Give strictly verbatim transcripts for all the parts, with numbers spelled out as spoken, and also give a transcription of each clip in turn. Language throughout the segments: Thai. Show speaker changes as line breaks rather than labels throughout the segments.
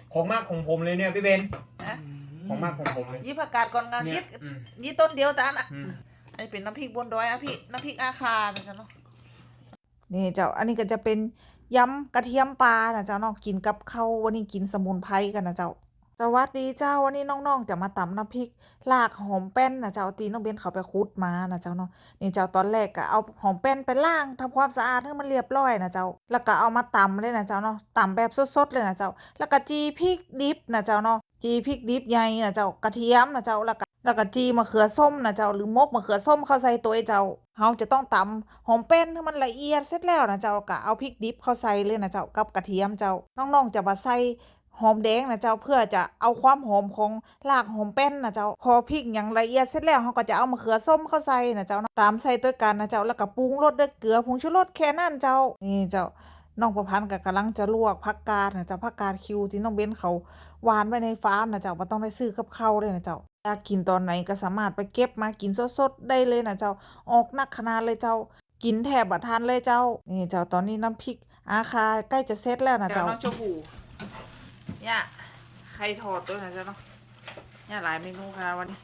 ของมากของผมเลยเนี่ยพี่เบน
นะ
ของมากของผมเลย
ยี่ผักกาดก่อนงาน
เนี่
ยิ
ย
ด
อืม
ยี่ต้นเดียวแต่อันอ่ะ
อืม
อันนี้เป็นน้ำพริกบนดอยนะพี่น้ำพริกอาคานะจ๊ะเนาะ
นี่เจ้าอันนี้ก็จะเป็นยำกระเทียมปลานะเจ้าเนาะกินกับข้าววันนี้กินสมุนไพรกันนะเจ้าสวัสดีเจ้าวันนี้น้องๆจะมาตำน้ำพริกลากหอมแป้นนะเจ้าตีน้องเบนเขาไปคุดมานะเจ้าเนาะนี่เจ้าตอนแรกก็เอาหอมแป้นไปล้างทำความสะอาดให้มันเรียบร้อยนะเจ้าแล้วก็เอามาตำเลยนะเจ้าเนาะตำแบบสดๆเลยนะเจ้าแล้วก็จีพริกดิบนะเจ้าเนาะจีพริกดิบใหญ่นะเจ้ากระเทียมนะเจ้าแล้วก็แล้วก็จีมะเขือส้มนะเจ้าหรือมกมะเขือส้มเข้าใส่ตัวไอ้เจ้าเฮาจะต้องตำหอมแป้นให้มันละเอียดเสร็จแล้วนะเจ้าก็เอาพริกดิบเข้าใส่เลยนะเจ้ากับกระเทียมเจ้าน้องๆจะมาใส่หอมแดงนะเจ้าเพื่อจะเอาความหอมของรากหอมแป้นนะเจ้าพอพริกอย่างละเอียดเสร็จแล้วเฮาก็จะเอามะเขือส้มเข้าใส่นะเจ้าตามใส่ด้วยกันนะเจ้าแล้วก็ปรุงรสด้วยเกลือผงชูรสแค่นั้นเจ้านี่เจ้าน้องประพันธ์ก็กำลังจะลวกผักกาดนะเจ้าผักกาดคิวที่น้องเบ้นเขาหวานไว้ในฟาร์มนะเจ้าบ่ต้องได้ซื้อกับข้าวเลยนะเจ้าอยากกินตอนไหนก็สามารถไปเก็บมากินสดๆได้เลยนะเจ้าออกนักขนาดเลยเจ้ากินแทบบ่ทันเลยเจ้านี่เจ้าตอนนี้น้ำพริกอาคาใกล้จะเสร็จแล้วนะ
เจ้า
เจ้า
น้องชมพูเนี่ยไข่ทอดตัวนะจ๊ะเนาะเนี่ยหลายเมนูค่ะวันนี้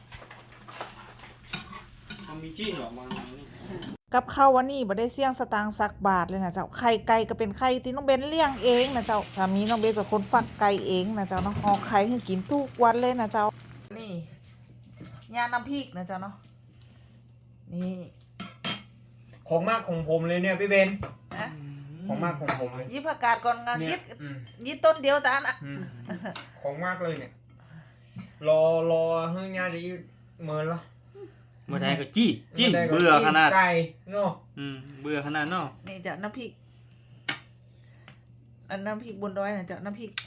มันมีจี้หรอมัน
กับข้าววันนี้บ่ได้เสี่ยงสตางค์สักบาทเลยนะเจ้าไข่ไก่ก็เป็นไข่ที่น้องเบนเลี้ยงเองนะเจ้าสามีน้องเบนเป็นคนฟักไก่เองนะเจ้าเนาะออกไข่ให้กินทุกวันเลยนะเจ้า
นี่ยาน้ำพริกนะจ๊ะเนาะนี่
ของมากของผมเลยเนี่ยพี่เบน
นะ
ของมากของผมเลย
ยี่ผักกาดก่อนงาน
เนี่
ยิ
ย
ด
อืม
ยี่ต้นเดียวแต่อันอ่ะ
อืมของมากเลยเนี่ยรอรอเฮ้ยญาจะเมินละ
เมื่อไทยก็จี้จี้
มื่ใก็
เบื่อขนาด
ไก่เนาะ
อืมเบื่อขนาดเนาะ
นี่จะน้ำพริกอันน้ำพริกบนดอยนะจะน้ำพริก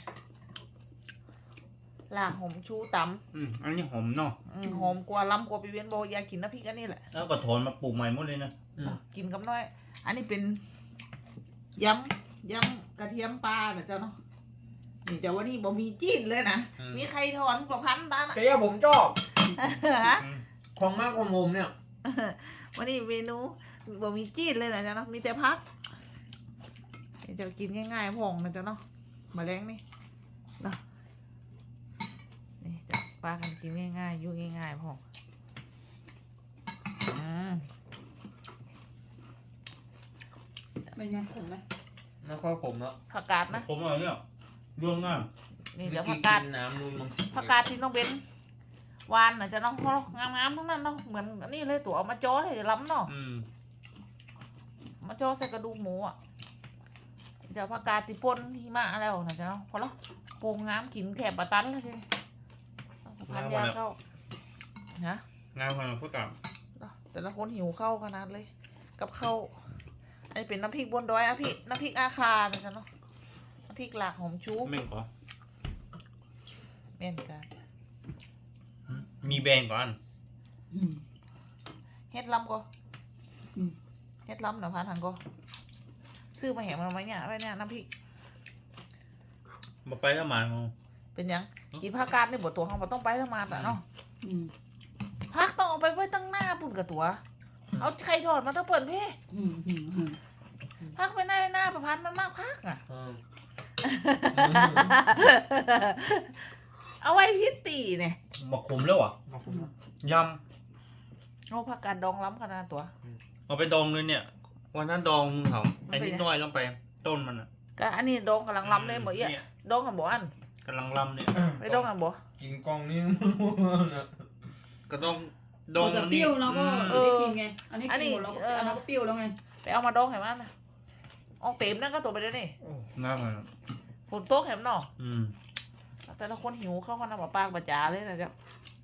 ลากหอมชูต
อืมอันนี้หอมเนาะ
ำอืมหอมกว่าล้ำกว่าปีเวียนบอกอยากกินน้ำพริกอันนี้แหละ
แล้วก็ถอนมาปลูกใหม่หมดเลยนะ
อืม
กินกับน้อย อันนี้เป็นยำยำกระเทียมปลานะเจ้าเนาะนี่แต่ว่านี่บ่มีจีนเลยนะมีไข่ทอดทุกประพันธ์ตานะ
แต่ย่าผมชอบ
ฮะ
อืม
ของมากของผมเนี่ย
วันนี้เมนูบ่มีจีนเลยนะเจ้าเนาะมีแต่พักนี่จะกินง่ายๆพองนะเจ้าเนาะมาแรงนี่เนาะนี่จะปลากันกินง่ายๆอยู่ง่ายๆพองอืม
เป็นไงขมไหม
ไม่ค่อยผมแล้ว
ผักกาดนะ
ผมเอาเนี่ยร่วงง่าย
นี่
เมื่
จะ
อ
ผั
กี้
กกาด
กินน้ำนู่นมั้ง
ผักกาดที่น้องเบนหวานน่ะจะน้องงามๆทั้งนั้นเนาะเหมือนอันนี่เลยตัวเอามาจ้อเลยล้ำเนาะ
อืม
มาจ้อใส่กระดูกหมูอ่ะจะผักกาดที่ป่นหิมะแล้วนะจ๊ะเนาะพอแล้วโปงงามกินแถบปะตันเลยทีพันยาเข้าฮะ
งานของพวกกับ
แต่ละคนหิวเข้าวขนาดเลย กับข้าวอันนี้เป็นน้ำพริกบนดอยน้ำพริกน้ำพริกอาคานะจ๊ะเนาะน้ำพริกหลากหอมชู
เม่งก่อน
แม่นกัน
มีแบงก่อน
อืม
เฮ็ดล้ำก็
อืม
เฮ็ดล้ำหน่ะพันหังก็ซื้อมาแหงมันไว้เนี่ยไว้เนี่ยน้ำพริก
มาไปแล้วมาเอา
เป็นหยังกินผักกาดนี่บ่ตัวเขาบ่ต้องไปทำมาแต่เนาะ
อืม
ผักต้องเอาไปไว้ตั้งหน้าปุ่นกับตัว เอาไข่ทอดมาต้องเปิดพี่
อืมอืมอืม
ผักไปหน้าหน้าประพันธ์มันมากผักอ่ะ
อืม
เอาไว้พิตีเนี่ย
มาขมแล้วอ่ะ
มาผมแล้ว
ย
เอาผักกาดดองล้ำขนาดตัว
ำเอาไปดองเลยเนี่ย วันนั้นดองมึงเขา
มัน
ไอ้
เป็น
นิด
ไง
น้อยลงไป ต้นมันอ่ะ
ก็อันนี้ดองกำลังล้ำเลยหมดเอี้ย
เนี่ย
ดองกับบ่อัน
กำลังลำเนี่ย
ไปดองกับบ่
กินกล่องนี่นะ
ก็ต้องด
ด
อ
อง งจะเปรี้ยวเราก็
อืม
ได้กินไง อันนี้กินหมดแล้วก็อันนั้นก็เปรี้ยวแล้วไง
ไปเอามาดองให้มันนะออกเต็มนั่นก็ตัวไปเลยนี่
ง่ายเลย
ฝนโต๊ะแหมเนาะ
อืม
แต่ละคนหิวเข้าขนาดปากประจาเลยนะจ๊ะ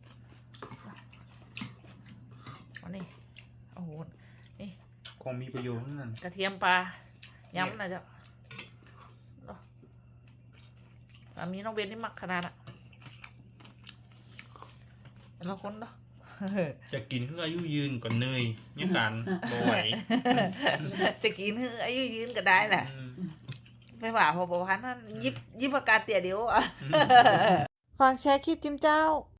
อันนี้โอ้โห
ของมีประโยชน์นั่น
กระเทียมปลาย้ำนะจ๊ะเนาะสามีน้องเบนนี่มักขนาดอะแต่ละคนเนาะ
จะกินเพื่ออายุยืนก่อนเนยเนี่ยกันบ่ไหว
จะกินให้อายุยืนก็ได้แหละ
อืม
ไม่ว่าพอประพันธ์นั้นยิบยิบประกาศเตี่ยเดียวอ่ะ
ฝากแชร์คลิปจิ้มเจ้า